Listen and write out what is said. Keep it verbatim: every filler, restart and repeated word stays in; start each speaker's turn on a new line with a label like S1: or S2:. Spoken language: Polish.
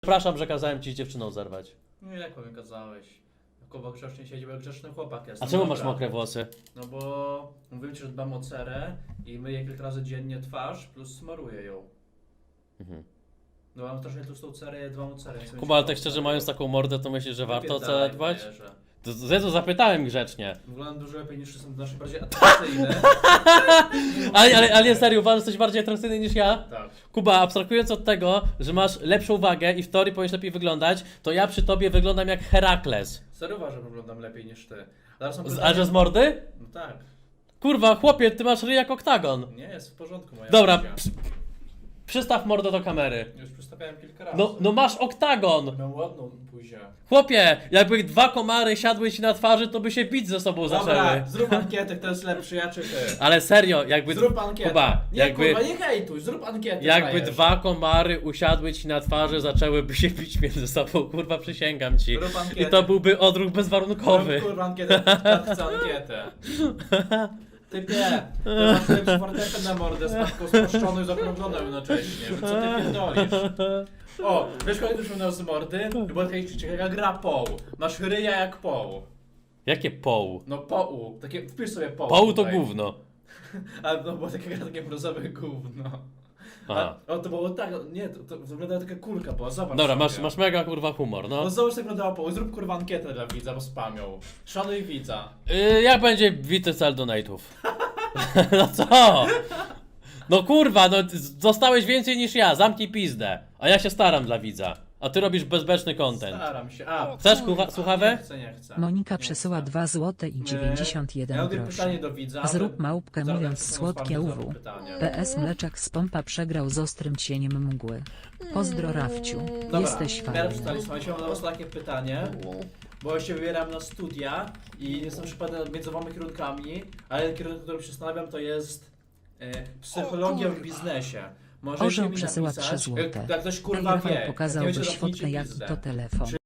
S1: Przepraszam, że kazałem ci z dziewczyną zerwać.
S2: Nie, jak mi kazałeś. Kuba grzecznie siedzi, bo grzeczny chłopak jest.
S1: A
S2: No
S1: czemu
S2: dobra.
S1: masz mokre włosy?
S2: No bo mówiłem ci, że dbam o cerę i myję kilka razy dziennie twarz, plus smaruję ją.
S1: Mhm.
S2: No mam strasznie tłustą cerę, ja dbam o cerę. więc
S1: Kuba, ale tak
S2: będzie
S1: szczerze
S2: mało.
S1: mając taką mordę, to myślisz, że warto o
S2: Wypierdalaj,
S1: cerę dbać?
S2: frajerze.
S1: To Zezu, zapytałem grzecznie.
S2: Wyglądam dużo lepiej niż są nasze bardziej atrakcyjne.
S1: Ale, ale, ale nie, serio, uważasz, że jesteś bardziej atrakcyjny niż ja?
S2: Tak.
S1: Kuba, abstrahując od tego, że masz lepszą wagę i w teorii powinieneś lepiej wyglądać, to ja przy tobie wyglądam jak Herakles.
S2: Serio uważam, że wyglądam lepiej niż ty. Zaraz są
S1: Z,
S2: pytania-
S1: a że z mordy?
S2: No tak.
S1: Kurwa, chłopie, ty masz ryj jak oktagon.
S2: Nie, jest w porządku moja
S1: Dobra,
S2: buzia.
S1: przy, przystaw mordę do kamery.
S2: Już przystawiałem kilka razy.
S1: No, no masz oktagon.
S2: Mam ładną buzię.
S1: Chłopie, jakby dwa komary siadły ci na twarzy, to by się bić ze sobą zaczęły.
S2: Dobra, zrób ankietę, kto jest lepszy, ja czy ty.
S1: Ale serio, jakby...
S2: Zrób ankietę.
S1: Kuba,
S2: nie,
S1: jakby...
S2: kurwa, nie hejtuj, zrób ankietę.
S1: Jakby
S2: frajerze.
S1: dwa komary usiadły ci na twarzy, zaczęłyby się bić między sobą, kurwa, przysięgam ci.
S2: Zrób ankietę.
S1: I to byłby odruch bezwarunkowy.
S2: Zrób kurwa ankietę, tak chcę ankietę. Typie, ty masz lepszy fortepian na mordę z matką spuszczoną i zakrągloną jednocześnie. No co ty pierdolisz? O, wiesz kogo już miał z mordy? Bo taka ciekawa gra poł. Masz ryja jak poł.
S1: Jakie poł?
S2: No poł, takie, wpisz sobie poł.
S1: Poł to
S2: tutaj.
S1: gówno.
S2: A no bo taka gra, takie brązowe gówno.
S1: Aha.
S2: A, o, to było tak, nie, to, to wyglądała taka kulka była, zobacz
S1: Dobra,
S2: sobie.
S1: masz, masz mega kurwa humor, no.
S2: No zobacz jak wyglądała poł, zrób kurwa ankietę dla widza, bo spamią. Szanuj widza.
S1: Yy, jak będzie bity cel donate'ów? No co? No kurwa, no ty dostałeś więcej niż ja, zamknij pizdę. A ja się staram dla widza. A ty robisz bezbeczny content.
S2: Staram się, a.
S1: Chcesz kucha- słuchawę?
S2: Nie chcę, nie chcę.
S3: Monika
S2: Nie
S3: przesyła
S2: chcę.
S3: dwa złote i dziewięćdziesiąt jeden
S2: Ja mam
S3: groszy.
S2: pytanie do widza.
S3: Zrób
S2: ale-
S3: małpkę
S2: Zaraz
S3: mówiąc
S2: taką
S3: słodkie
S2: otwartą
S3: uwu.
S2: pytanie.
S3: P S Mleczak z pompa przegrał z ostrym cieniem mgły. Pozdro Rafciu,
S2: Dobra,
S3: jesteś
S2: ja
S3: fajny.
S2: przeczytali, słuchajcie, mam dla was takie pytanie. Bo ja się wybieram na studia i jestem przypadany między dwoma kierunkami, ale kierunek, który się zastanawiam, to jest e, psychologia w biznesie. Możecie
S3: Orzeł
S2: mi
S3: przesyła
S2: napisać,
S3: trzy złote.
S2: Jak, jak ktoś kurwa
S3: Ej, Rafał
S2: wie,
S3: pokazał
S2: jak nie
S3: byś
S2: wiecie,
S3: fotkę
S2: zamknijcie
S3: jaki
S2: pizdę.
S3: to telefon.
S2: Czy